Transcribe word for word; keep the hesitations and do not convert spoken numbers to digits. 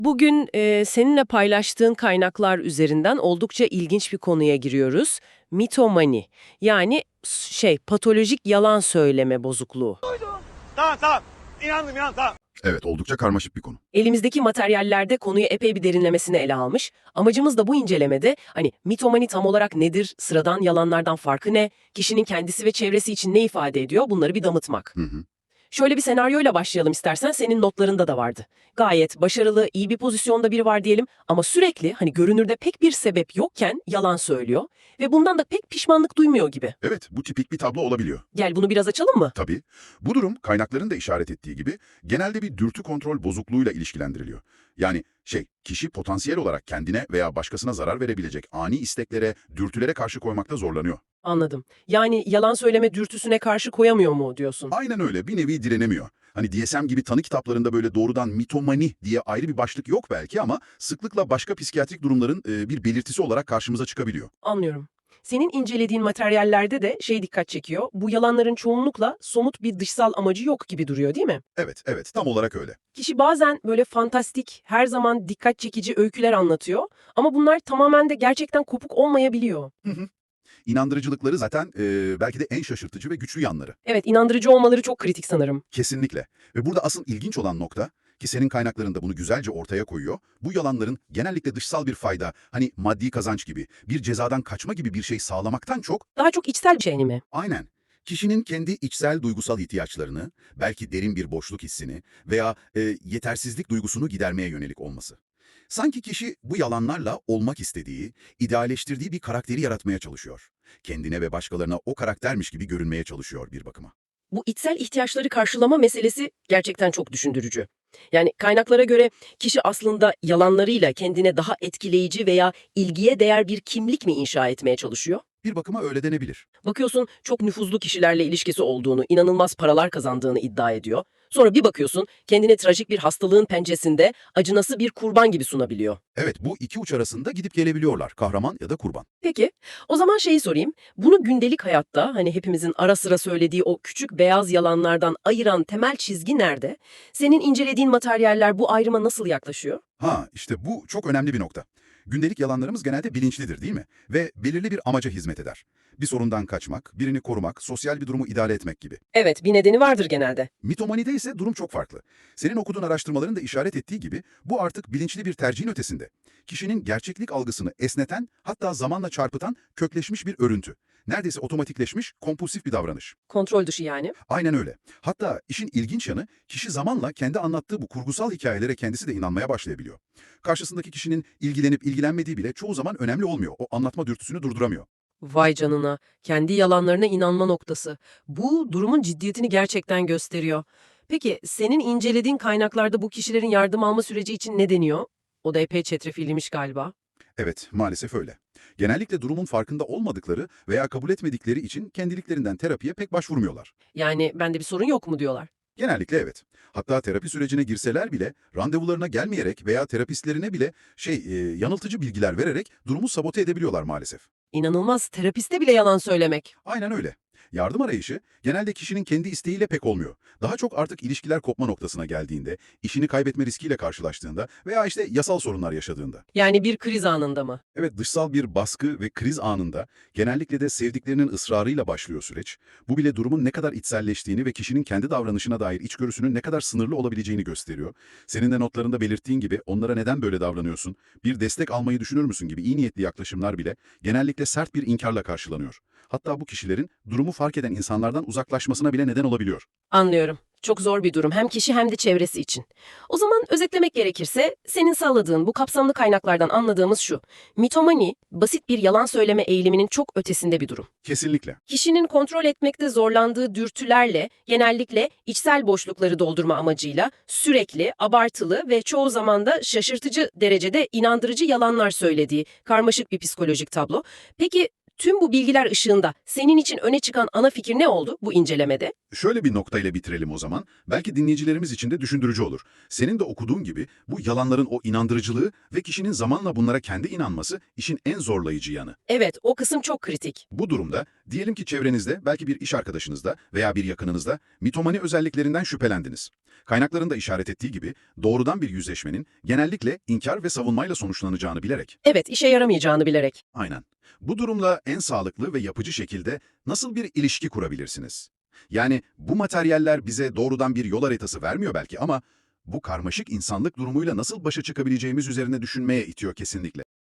Bugün e, seninle paylaştığın kaynaklar üzerinden oldukça ilginç bir konuya giriyoruz. Mitomani, yani s- şey patolojik yalan söyleme bozukluğu. Tamam tamam. İnandım inandım tamam. Evet, oldukça karmaşık bir konu. Elimizdeki materyallerde konuyu epey bir derinlemesine ele almış. Amacımız da bu incelemede hani mitomani tam olarak nedir, sıradan yalanlardan farkı ne, kişinin kendisi ve çevresi için ne ifade ediyor bunları bir damıtmak. Hı hı. Şöyle bir senaryoyla başlayalım istersen, senin notlarında da vardı. Gayet başarılı, iyi bir pozisyonda biri var diyelim ama sürekli hani görünürde pek bir sebep yokken yalan söylüyor ve bundan da pek pişmanlık duymuyor gibi. Evet, bu tipik bir tablo olabiliyor. Gel bunu biraz açalım mı? Tabii, bu durum kaynakların da işaret ettiği gibi genelde bir dürtü kontrol bozukluğuyla ilişkilendiriliyor. Yani şey, kişi potansiyel olarak kendine veya başkasına zarar verebilecek ani isteklere, dürtülere karşı koymakta zorlanıyor. Anladım. Yani yalan söyleme dürtüsüne karşı koyamıyor mu diyorsun? Aynen öyle, bir nevi direnemiyor. Hani D S M gibi tanı kitaplarında böyle doğrudan mitomani diye ayrı bir başlık yok belki ama sıklıkla başka psikiyatrik durumların e, bir belirtisi olarak karşımıza çıkabiliyor. Anlıyorum. Senin incelediğin materyallerde de şey dikkat çekiyor. Bu yalanların çoğunlukla somut bir dışsal amacı yok gibi duruyor, değil mi? Evet, evet, tam olarak öyle. Kişi bazen böyle fantastik, her zaman dikkat çekici öyküler anlatıyor ama bunlar tamamen de gerçekten kopuk olmayabiliyor. Hı hı. İnandırıcılıkları zaten e, belki de en şaşırtıcı ve güçlü yanları. Evet, inandırıcı olmaları çok kritik sanırım. Kesinlikle. Ve burada asıl ilginç olan nokta, ki senin kaynaklarında bunu güzelce ortaya koyuyor, bu yalanların genellikle dışsal bir fayda, hani maddi kazanç gibi, bir cezadan kaçma gibi bir şey sağlamaktan çok, Daha çok içsel bir şey mi? aynen, kişinin kendi içsel duygusal ihtiyaçlarını, belki derin bir boşluk hissini veya e, yetersizlik duygusunu gidermeye yönelik olması. Sanki kişi bu yalanlarla olmak istediği, idealleştirdiği bir karakteri yaratmaya çalışıyor. Kendine ve başkalarına o karaktermiş gibi görünmeye çalışıyor bir bakıma. Bu içsel ihtiyaçları karşılama meselesi gerçekten çok düşündürücü. Yani kaynaklara göre kişi aslında yalanlarıyla kendine daha etkileyici veya ilgiye değer bir kimlik mi inşa etmeye çalışıyor? Bir bakıma öyle denebilir. Bakıyorsun çok nüfuzlu kişilerle ilişkisi olduğunu, inanılmaz paralar kazandığını iddia ediyor. Sonra bir bakıyorsun kendini trajik bir hastalığın pençesinde acınası bir kurban gibi sunabiliyor. Evet, bu iki uç arasında gidip gelebiliyorlar, kahraman ya da kurban. Peki, o zaman şeyi sorayım. Bunu gündelik hayatta hani hepimizin ara sıra söylediği o küçük beyaz yalanlardan ayıran temel çizgi nerede? Senin incelediğin materyaller bu ayrıma nasıl yaklaşıyor? Ha, işte bu çok önemli bir nokta. Gündelik yalanlarımız genelde bilinçlidir, değil mi? Ve belirli bir amaca hizmet eder. Bir sorundan kaçmak, birini korumak, sosyal bir durumu idare etmek gibi. Evet, bir nedeni vardır genelde. Mitomanide ise durum çok farklı. Senin okuduğun araştırmaların da işaret ettiği gibi bu artık bilinçli bir tercihin ötesinde. Kişinin gerçeklik algısını esneten, hatta zamanla çarpıtan kökleşmiş bir örüntü. Neredeyse otomatikleşmiş, kompulsif bir davranış. Kontrol dışı yani. Aynen öyle. Hatta işin ilginç yanı, kişi zamanla kendi anlattığı bu kurgusal hikayelere kendisi de inanmaya başlayabiliyor. Karşısındaki kişinin ilgilenip ilgilenmediği bile çoğu zaman önemli olmuyor. O anlatma dürtüsünü durduramıyor. Vay canına, kendi yalanlarına inanma noktası. Bu durumun ciddiyetini gerçekten gösteriyor. Peki, senin incelediğin kaynaklarda bu kişilerin yardım alma süreci için ne deniyor? O da epey çetrefilliymiş galiba. Evet, maalesef öyle. Genellikle durumun farkında olmadıkları veya kabul etmedikleri için kendiliklerinden terapiye pek başvurmuyorlar. Yani bende bir sorun yok mu diyorlar. Genellikle evet. Hatta terapi sürecine girseler bile randevularına gelmeyerek veya terapistlerine bile şey e, yanıltıcı bilgiler vererek durumu sabote edebiliyorlar maalesef. İnanılmaz, terapiste bile yalan söylemek. Aynen öyle. Yardım arayışı genelde kişinin kendi isteğiyle pek olmuyor. Daha çok artık ilişkiler kopma noktasına geldiğinde, işini kaybetme riskiyle karşılaştığında veya işte yasal sorunlar yaşadığında. Yani bir kriz anında mı? Evet, dışsal bir baskı ve kriz anında genellikle de sevdiklerinin ısrarıyla başlıyor süreç. Bu bile durumun ne kadar içselleştiğini ve kişinin kendi davranışına dair içgörüsünün ne kadar sınırlı olabileceğini gösteriyor. Senin de notlarında belirttiğin gibi onlara neden böyle davranıyorsun, bir destek almayı düşünür müsün gibi iyi niyetli yaklaşımlar bile genellikle sert bir inkarla karşılanıyor. Hatta bu kişilerin durumu fark eden insanlardan uzaklaşmasına bile neden olabiliyor. Anlıyorum. Çok zor bir durum hem kişi hem de çevresi için. O zaman özetlemek gerekirse senin sağladığın bu kapsamlı kaynaklardan anladığımız şu. Mitomani, basit bir yalan söyleme eğiliminin çok ötesinde bir durum. Kesinlikle. Kişinin kontrol etmekte zorlandığı dürtülerle, genellikle içsel boşlukları doldurma amacıyla sürekli, abartılı ve çoğu zaman da şaşırtıcı derecede inandırıcı yalanlar söylediği karmaşık bir psikolojik tablo. Peki tüm bu bilgiler ışığında senin için öne çıkan ana fikir ne oldu bu incelemede? Şöyle bir noktayla bitirelim o zaman. Belki dinleyicilerimiz için de düşündürücü olur. Senin de okuduğun gibi bu yalanların o inandırıcılığı ve kişinin zamanla bunlara kendi inanması işin en zorlayıcı yanı. Evet, o kısım çok kritik. Bu durumda diyelim ki çevrenizde belki bir iş arkadaşınızda veya bir yakınınızda mitomani özelliklerinden şüphelendiniz. Kaynakların da işaret ettiği gibi doğrudan bir yüzleşmenin genellikle inkar ve savunmayla sonuçlanacağını bilerek. Evet, işe yaramayacağını bilerek. Aynen. Bu durumla en sağlıklı ve yapıcı şekilde nasıl bir ilişki kurabilirsiniz? Yani bu materyaller bize doğrudan bir yol haritası vermiyor belki ama bu karmaşık insanlık durumuyla nasıl başa çıkabileceğimiz üzerine düşünmeye itiyor kesinlikle.